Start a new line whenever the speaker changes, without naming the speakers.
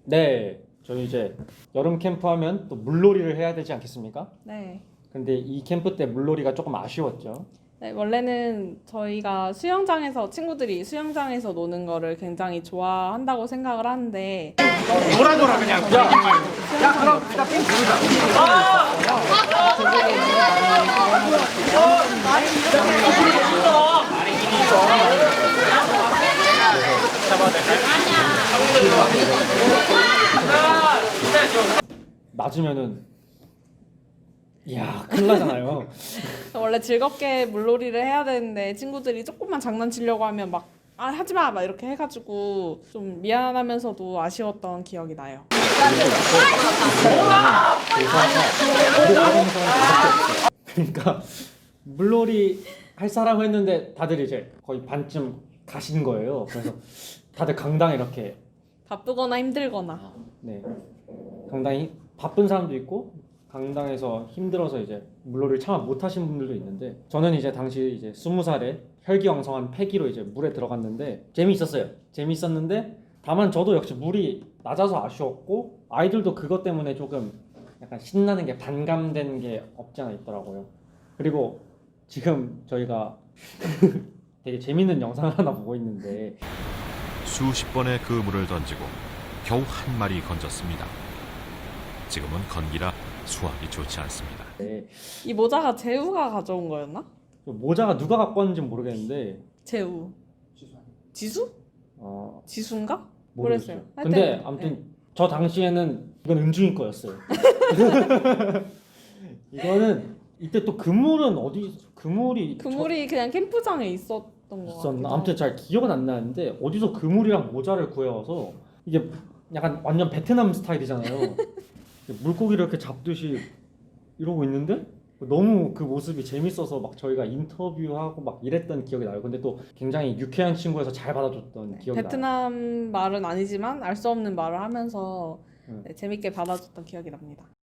네, 저희 이제 여름 캠프 하면 또 물놀이를 해야 되지 않겠습니까?
네.
근데 이 캠프 때 물놀이가 조금 아쉬웠죠.
네, 원래는 저희가 친구들이 수영장에서 노는 거를 굉장히 좋아한다고 생각을 하는데
놀아 그냥. 야 그럼 일단 삥 부르자.
맞으면은 이야 큰일 나잖아요.
원래 즐겁게 물놀이를 해야 되는데 친구들이 조금만 장난치려고 하면 막 하지 마! 막 이렇게 해가지고 좀 미안하면서도 아쉬웠던 기억이 나요.
그러니까 물놀이 할 사람 했는데 다들 이제 거의 반쯤 가신 거예요. 그래서 다들 강당에 이렇게
바쁘거나 힘들거나.
네 강당이 바쁜 사람도 있고 강당에서 힘들어서 이제 물놀이를 참아 못 하신 분들도 있는데 저는 이제 당시 이제 20살에 혈기왕성한 패기로 이제 물에 들어갔는데 재미있었는데 다만 저도 역시 물이 낮아서 아쉬웠고 아이들도 그것 때문에 조금 약간 신나는 게 반감된 게 없지 않아 있더라고요. 그리고 지금 저희가 되게 재밌는 영상을 하나 보고 있는데
수십 번의 그물을 던지고 겨우 한 마리 건졌습니다. 지금은 건기라 수확이 좋지 않습니다.
이 모자가 재우가 가져온 거였나?
모자가 누가 갖고 왔는지 모르겠는데
재우. 지수? 지수인가?
모르겠어요.
모르겠어요.
근데
하여튼,
아무튼
네.
저 당시에는 이건 은중이 거였어요. 이거는 이때 또 그물은 그물이
그냥 캠프장에 있었던 거
있었나?
같아요.
아무튼 잘 기억은 안 나는데 어디서 그물이랑 모자를 구해와서 이게 약간 완전 베트남 스타일이잖아요. 물고기를 이렇게 잡듯이 이러고 있는데 너무 그 모습이 재밌어서 막 저희가 인터뷰하고 막 이랬던 기억이 나요. 근데 또 굉장히 유쾌한 친구여서 잘 받아줬던 기억이 나요.
베트남 말은 아니지만 알 수 없는 말을 하면서
네.
재밌게 받아줬던 기억이 납니다.